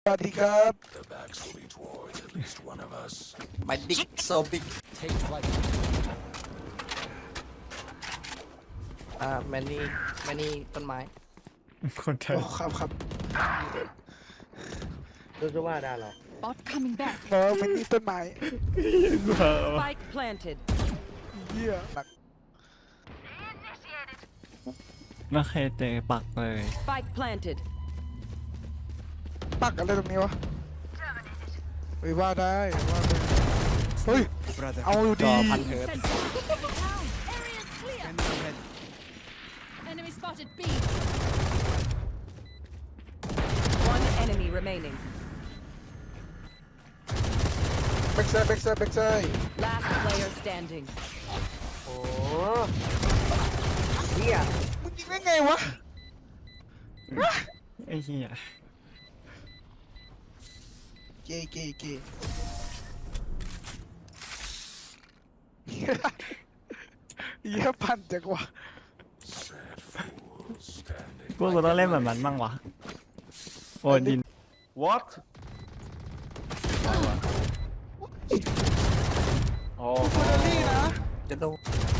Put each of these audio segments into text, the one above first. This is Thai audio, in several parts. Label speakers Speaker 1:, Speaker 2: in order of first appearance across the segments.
Speaker 1: สวัสดีครับ
Speaker 2: The backs will be towards at least one of us.
Speaker 3: My dick so big.
Speaker 2: Take flight.
Speaker 3: many ต้นไม้
Speaker 4: คนไทย
Speaker 1: โอ้ครับ
Speaker 5: รู้สึกว่าได้หรอ
Speaker 6: Bot coming back.
Speaker 1: เพราะมันนี่ต้นไม้
Speaker 6: Spike planted.
Speaker 1: เหี้ยหนัก
Speaker 4: ไม่เคยเจอปักเลย
Speaker 6: Spike planted.
Speaker 1: ปักอะไรตรงนี้วะเฮ้ยว่าได้เฮ้ยเอาอยู่
Speaker 3: จ
Speaker 1: ดี
Speaker 3: อพันเฮิร์ต
Speaker 6: Area's clear. Enemy spotted B. One enemy remaining.
Speaker 1: แบ็กไซด์แบ็กไซด์แบ็กไซด์
Speaker 6: Last player standing.
Speaker 5: โอ้เฮีย
Speaker 1: มึงยิงได้ไงวะ
Speaker 4: ไอ้เหี้ย
Speaker 1: เกเหี้ยพันจังวะ
Speaker 2: Sad fools standing.
Speaker 4: พวกกูต้องเล่นแบบนั้นบ้างวะโอ้ดิน
Speaker 5: what อ๋อ
Speaker 1: คนละนี่นะ
Speaker 3: จะโดน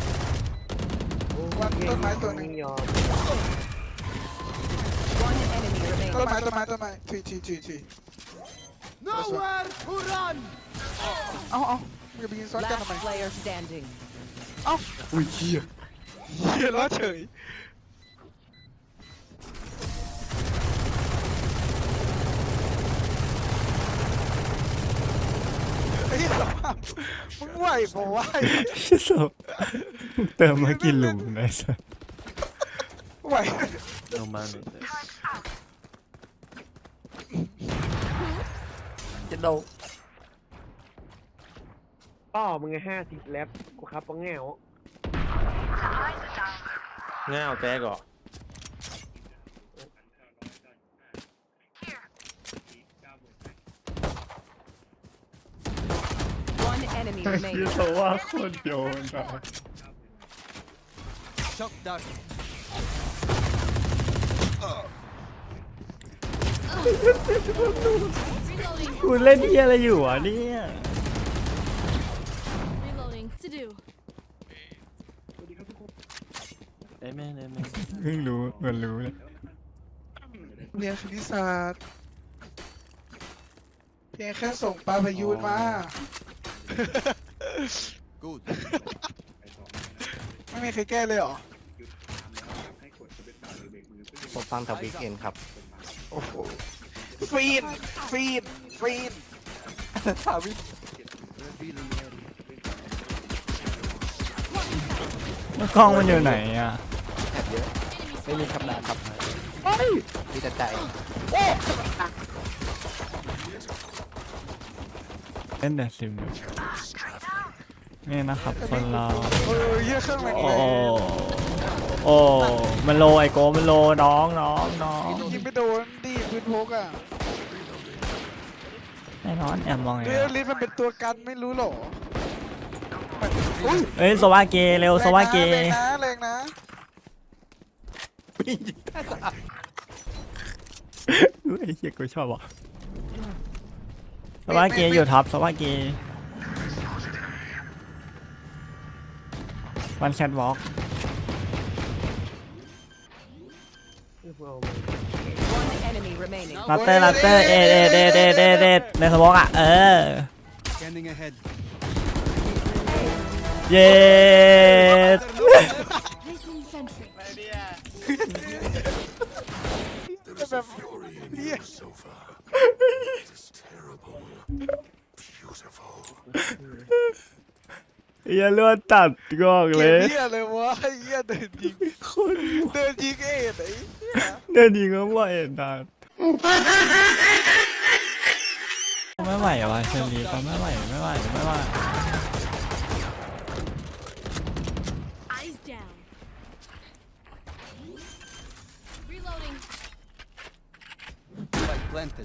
Speaker 1: วันต้นไม้ตัวหนึ่ง
Speaker 5: ยอม
Speaker 6: One enemy remaining.
Speaker 1: ต้นไม้ที
Speaker 2: Nowhere to run.
Speaker 1: เอามึงจะไปยิงซ้อนกันทำไม
Speaker 6: Last player standing.
Speaker 4: อุ้ยเหี้ย
Speaker 1: เหี้ยล้อเฉยไอ้สภาพมึงไหวบ่ไหว
Speaker 4: โซ่เติมมากี่หลุมไอ้สัส
Speaker 1: ไหว
Speaker 5: no man
Speaker 3: จะโดน
Speaker 5: ป้อมึงไง50 แล็บกูครับป้องแง่วแง่วแตกเหรอ
Speaker 6: One enemy
Speaker 4: เหี้ย
Speaker 6: remaining.
Speaker 4: เพราะว่าโคตรโยนอะ
Speaker 2: Shock dart.
Speaker 4: กูเล่นเหี้ยอะไรอยู่อ่ะเนี่ย
Speaker 6: Reloading. To do.
Speaker 5: ได้แม่
Speaker 4: เพิ่งรู้เหมือนรู้เลย
Speaker 1: เรียนคณิตศาสตร์เพียงแค่ส่งปลาพยูนมา
Speaker 2: Good.
Speaker 1: ไม่มีใครแก้เลยเหรอ
Speaker 3: ผมฟังทวิกเองครับ
Speaker 1: โอ้โหฟีน
Speaker 3: ทวิก
Speaker 2: Revealing area.
Speaker 4: แล้วกล้องมันอยู่ไหนอ่ะ
Speaker 3: แอบเยอะไม่มีคำด่าครับมีแต่ใจ
Speaker 4: เล่นแต่ซิมนี่นะครับคนเรา
Speaker 1: เยอะเครื่องแรง
Speaker 4: โอ้โอ้มันโลไอโกมันโลน้อง
Speaker 1: ยิงไปโดนดีปืนพกอ่ะ
Speaker 4: แน่นอนแอบมองไง
Speaker 1: เรียลลิสมันเป็นตัวกันไม่รู้หรออุ้ย
Speaker 4: เอ้ยสวาเกเร็วสวาเก
Speaker 1: แรงนะ
Speaker 3: วิ่งยิงได้สาม
Speaker 4: ไอ้เหี้ยกูชอบอ่ะสวาเกอยู่ท็อปสวาเกวันแคทวอล์ก
Speaker 6: One enemy remaining.
Speaker 4: ลัตเตอร์เอ็ดในสมองอ่ะ
Speaker 2: Scanning ahead.
Speaker 4: เย็ด
Speaker 6: Placing sentry.
Speaker 2: There is a fury in you so far. It is terrible. Beautiful.
Speaker 4: อย่าเลือดตัดกอก
Speaker 1: เก
Speaker 4: เล
Speaker 1: ม
Speaker 4: ย
Speaker 1: เหี้ยเลยวะเหี้ยเดินยิง
Speaker 4: คน
Speaker 1: เดินยิงเอ็ดไอ้เหี้ย
Speaker 4: เดินยิงก็ไหวตัดไม่ไหวว่ะเชอรี่ก็ไม่ไหว
Speaker 6: Eyes down. Reloading.
Speaker 2: Spike planted.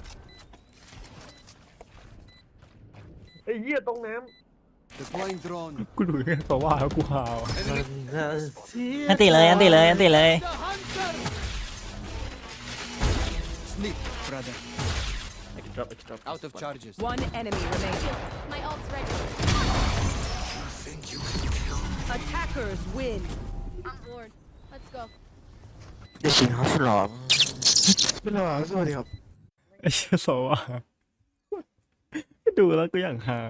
Speaker 5: ไอ้เหี้ยตรงน้
Speaker 2: Deploying drone.
Speaker 4: กูดูแค่ตัวว่าแล้วกูหาว
Speaker 5: ำ
Speaker 4: อันติเลย
Speaker 2: The hunter. Sneak, brother.
Speaker 5: drop it drop
Speaker 3: Out of charges.
Speaker 7: One enemy remaining.
Speaker 6: My ult's ready.
Speaker 2: Think you can kill me?
Speaker 7: Attackers win.
Speaker 6: I'm bored. Let's go.
Speaker 1: จะชิงเขาฉลองไม่หรอกสวัสดีครับ
Speaker 4: ไอ้เชี่ยโซอ่ะดูแล้วก็อย่างฮา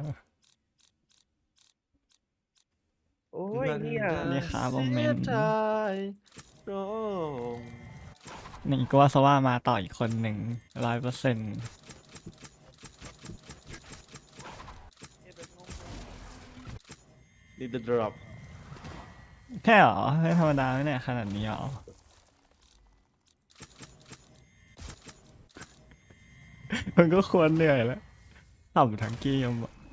Speaker 5: โอ้ยเนี่ย
Speaker 4: นี่ครับโมเมนต์
Speaker 5: สียใจร้อง
Speaker 4: นี่ก็ว่าสว่ามาต่ออีกคนหนึ่ง100%
Speaker 5: need the drop
Speaker 4: แค่เหรอไม่ธรรมดาไม่เนี่ยขนาดนี้เหรอ มันก็ควรเหนื่อยแล้วต่ำทั้งเกมอะ